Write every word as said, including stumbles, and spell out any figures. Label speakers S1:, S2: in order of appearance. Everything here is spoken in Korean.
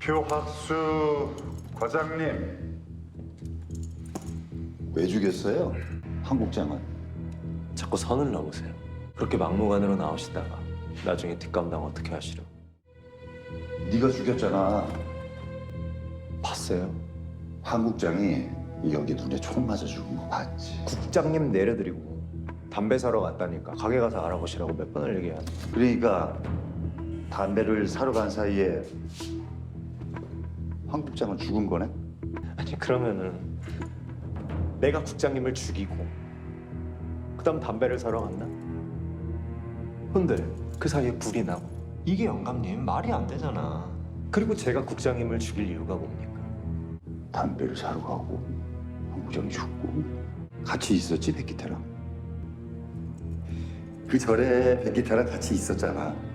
S1: 표학수 과장님.
S2: 왜 죽였어요? 한국장은.
S3: 자꾸 선을 넘으세요. 그렇게 막무가내로 나오시다가 나중에 뒷감당 어떻게 하시려?
S2: 네가 죽였잖아.
S3: 봤어요?
S2: 한국장이 여기 눈에 총 맞아 죽은 거 봤지.
S3: 국장님 내려드리고 담배 사러 갔다니까 가게 가서 알아보시라고 몇 번을 얘기하는.
S2: 그러니까 담배를 사러 간 사이에 한국장은 죽은 거네?
S3: 아니 그러면은 내가 국장님을 죽이고 그다음 담배를 사러 갔나? 근데 그 사이에 불이 나고 이게 영감님 말이 안 되잖아. 그리고 제가 국장님을 죽일 이유가 뭡니까?
S2: 담배를 사러 가고 한국장이 죽고 같이 있었지, 백기태랑. 그 절에 백기태랑 같이 있었잖아.